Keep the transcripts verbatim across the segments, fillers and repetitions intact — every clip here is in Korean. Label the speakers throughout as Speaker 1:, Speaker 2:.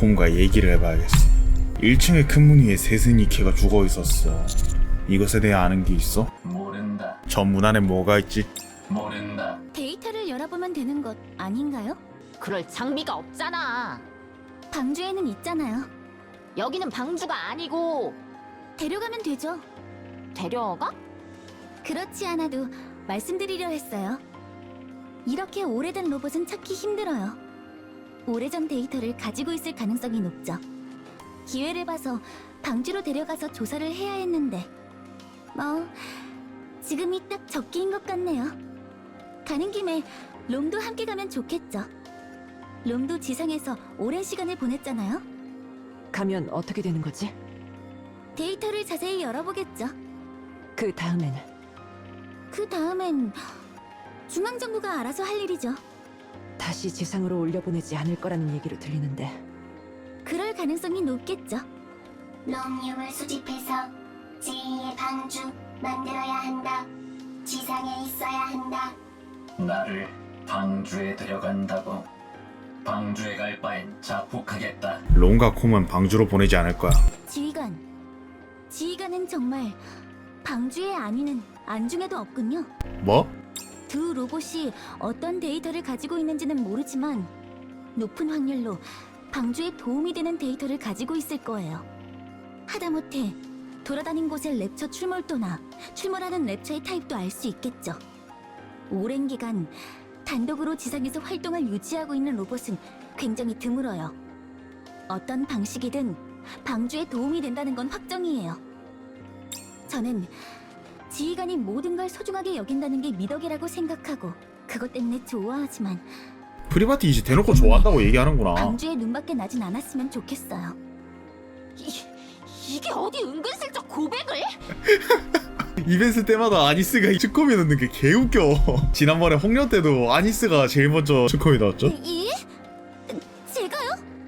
Speaker 1: 롱가콤과 얘기를 해봐야겠어. 일 층의 큰 문 위에 세스니케가 죽어있었어. 이것에 대해 아는 게 있어?
Speaker 2: 모른다.
Speaker 1: 저 문 안에 뭐가 있지?
Speaker 2: 모른다.
Speaker 3: 데이터를 열어보면 되는 것 아닌가요?
Speaker 4: 그럴 장비가 없잖아.
Speaker 3: 방주에는 있잖아요.
Speaker 4: 여기는 방주가 아니고.
Speaker 3: 데려가면 되죠.
Speaker 4: 데려가?
Speaker 3: 그렇지 않아도 말씀드리려 했어요. 이렇게 오래된 로봇은 찾기 힘들어요. 오래전 데이터를 가지고 있을 가능성이 높죠. 기회를 봐서 방주로 데려가서 조사를 해야 했는데 뭐 지금이 딱 적기인 것 같네요. 가는 김에 롬도 함께 가면 좋겠죠. 롬도 지상에서 오랜 시간을 보냈잖아요.
Speaker 5: 가면 어떻게 되는 거지?
Speaker 3: 데이터를 자세히 열어보겠죠.
Speaker 5: 그 다음에는?
Speaker 3: 그 다음엔 중앙정부가 알아서 할 일이죠.
Speaker 5: 다시 지상으로 올려보내지 않을 거라는 얘기로 들리는데.
Speaker 3: 그럴 가능성이 높겠죠.
Speaker 6: 롬륨을 수집해서 제이의 방주 만들어야 한다. 지상에 있어야 한다.
Speaker 2: 나를 방주에 데려간다고. 방주에 갈 바엔 자폭하겠다.
Speaker 1: 롱가콤은 방주로 보내지 않을 거야.
Speaker 3: 지휘관. 지휘관은 정말 방주의 안위는 안중에도 없군요.
Speaker 1: 뭐?
Speaker 3: 두 로봇이 어떤 데이터를 가지고 있는지는 모르지만 높은 확률로 방주에 도움이 되는 데이터를 가지고 있을 거예요. 하다못해 돌아다닌 곳의 랩처 출몰도나 출몰하는 랩처의 타입도 알 수 있겠죠. 오랜 기간 단독으로 지상에서 활동을 유지하고 있는 로봇은 굉장히 드물어요. 어떤 방식이든 방주에 도움이 된다는 건 확정이에요. 저는 지휘관이 모든 걸 소중하게 여긴다는 게 미덕이라고 생각하고 그것 때문에 좋아하지만
Speaker 1: 프리바티 이제 대놓고 좋아한다고 얘기하는구나.
Speaker 3: 방주에 눈밖에 나진 않았으면 좋겠어요.
Speaker 4: 이, 이게 어디 은근슬쩍 고백을?
Speaker 1: 이벤트 때마다 아니스가 츠코미 넣는 게 개웃겨. 지난번에 홍련 때도 아니스가 제일 먼저 츠코미 넣었죠?
Speaker 3: 이? 제가요?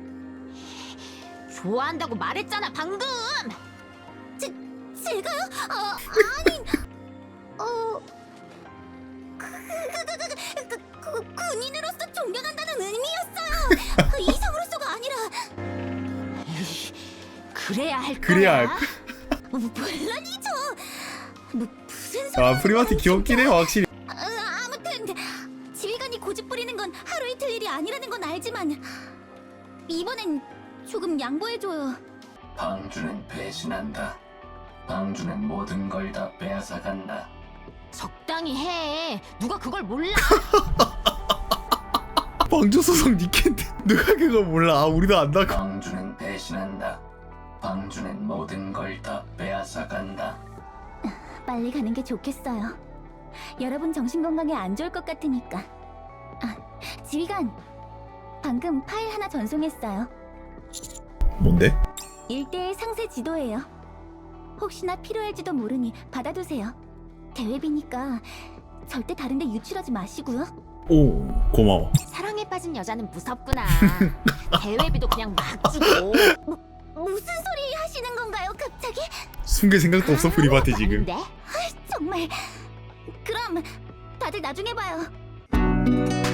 Speaker 4: 좋아한다고 말했잖아 방금.
Speaker 3: 제, 제가요? 어, 아니... 어... 그, 그, 그, 그, 그, 그, 군인으로서 존경한다는 의미였어요. 그 이성으로서가 아니라...
Speaker 4: 그래야 할 거야.
Speaker 1: 그래야 할
Speaker 3: 뭐, 물론이죠. 뭐 무슨 소리?
Speaker 1: 아 프리바티 귀엽긴 해요 확실히.
Speaker 3: 아, 아무튼 지휘관이 고집 부리는 건 하루 이틀 일이 아니라는 건 알지만 이번엔 조금 양보해줘요.
Speaker 2: 방주는 배신한다. 방주는 모든 걸 다 빼앗아 간다.
Speaker 4: 적당히 해. 누가 그걸 몰라?
Speaker 1: 방주 소속 니켄데 누가 그거 몰라. 아, 우리도 안다고.
Speaker 2: 방주는 배신한다. 방주는 모든 걸 다 빼앗아 간다.
Speaker 3: 빨리 가는 게 좋겠어요. 여러분 정신 건강에 안 좋을 것 같으니까. 아, 지휘관. 방금 파일 하나 전송했어요.
Speaker 1: 뭔데?
Speaker 3: 일대의 상세 지도예요. 혹시나 필요할지도 모르니 받아두세요. 대회비니까 절대 다른데 유출하지 마시고요.
Speaker 1: 오 고마워.
Speaker 4: 사랑에 빠진 여자는 무섭구나. 대회비도 그냥 막 주고.
Speaker 3: 무슨 소리 하시는 건가요, 갑자기?
Speaker 1: 숨길 생각도 없어 프리바티 지금.
Speaker 4: 아닌데?
Speaker 3: 정말. 그럼 다들 나중에 봐요.